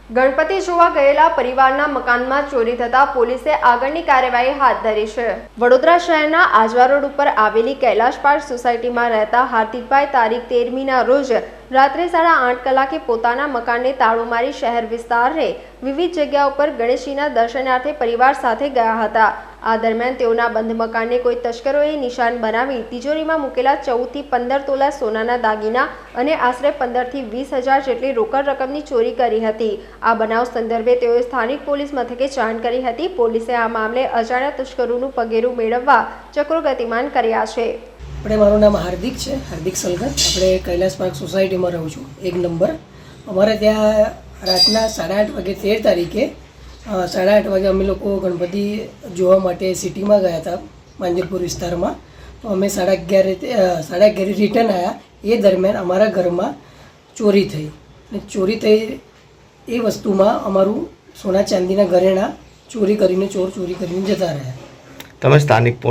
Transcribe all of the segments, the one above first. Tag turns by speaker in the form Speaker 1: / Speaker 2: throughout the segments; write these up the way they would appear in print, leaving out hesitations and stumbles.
Speaker 1: ગણપતિ જોવા ગયેલા પરિવારના મકાનમાં ચોરી થતા પોલીસે આગળની કાર્યવાહી હાથ ધરી છે। વડોદરા શહેરના આજવા રોડ ઉપર આવેલી કૈલાશ પાર્ક સોસાયટીમાં રહેતા હાર્દિકભાઈ તારીખ 13મીના રોજ રાત્રે 8:30 કલાકે પોતાના મકાનને તાળું મારી શહેર વિસ્તારને વિવિધ જગ્યા ઉપર ગણેશજીના દર્શનાર્થે પરિવાર સાથે ગયા હતા। આ દરમિયાન તેઓના બંધ મકાનને કોઈ તસ્કરોએ નિશાન બનાવી તિજોરીમાં મૂકેલા 14 થી 15 તોલા સોનાના દાગીના અને આશરે 15 થી 20 હજાર જેટલી રોકડ રકમની ચોરી કરી હતી। આ બનાવ સંદર્ભે તેઓએ સ્થાનિક પોલીસ મથકે જાણ કરી હતી। પોલીસે આ મામલે અજાણ્યા તસ્કરોનું પગેરું મેળવવા ચક્રો ગતિમાન કર્યા છે।
Speaker 2: મારું નામ હાર્દિક છે, હાર્દિક સલગર। આપણે કૈલાશ પાર્ક સોસાયટીમાં રહું છું, 1 નંબર। અમારે ત્યાં રાતના 8:30 વાગે 13 તારીખે 8:30 વાગે અમે લોકો ગણપતિ જોવા માટે સિટીમાં ગયા હતા, માંજરપુર વિસ્તારમાં। તો અમે 11:30 રિટર્ન આવ્યા। એ દરમિયાન અમારા ઘરમાં ચોરી થઈ અને ચોરી થઈ એ વસ્તુમાં અમારું સોના ચાંદીના ઘરેણાં ચોરી કરીને જતા રહ્યા।
Speaker 3: તમે સ્થાનિક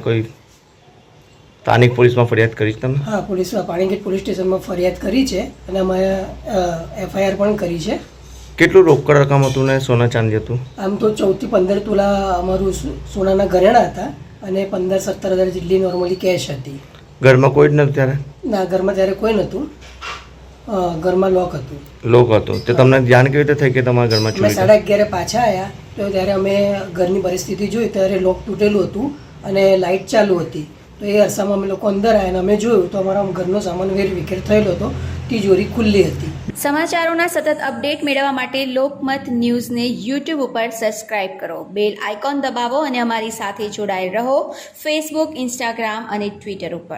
Speaker 3: પોલીસમાં ફરિયાદ કરી તમે?
Speaker 2: હા, પોલીસમાં પાણીગેટ પોલીસ સ્ટેશનમાં ફરિયાદ કરી છે અને અમે FIR પણ કરી છે।
Speaker 3: કેટલું રોકડ રકમ હતું ને સોના ચાંદી હતું? આમ
Speaker 2: તો 14 થી 15 તોલા અમારું સોનાના ઘરેણાં હતા અને 15-17 હજાર જેટલી નોર્મલી કેશ હતી।
Speaker 3: ઘરમાં કોઈ જ નહોતું ત્યારે? ના,
Speaker 2: ઘરમાં ત્યારે કોઈ નહોતું, ઘરમાં લોક હતું।
Speaker 3: લોક હતું તો તમને ધ્યાન કેવી રીતે થઈ કે તમારા ઘરમાં ચોરી?
Speaker 2: 11:30 પાછા આવ્યા તો ત્યારે અમે ઘરની પરિસ્થિતિ જોઈ ત્યારે લોક તૂટેલું હતું અને લાઇટ ચાલુ હતી। તો એ અરસામાં અમે લોકો અંદર આવ્યા અને અમે જોયું તો અમારા ઘરનો સામાન વેરવિખેર થયેલો હતો, તિજોરી ખુલ્લી હતી।
Speaker 4: સમાચારોના સતત અપડેટ મેળવવા માટે લોકમત ન્યૂઝને YouTube ઉપર સબસ્ક્રાઇબ કરો, બેલ આઇકોન દબાવો અને અમારી સાથે જોડાયેલ રહો ફેસબુક, ઇન્સ્ટાગ્રામ અને ટ્વિટર ઉપર।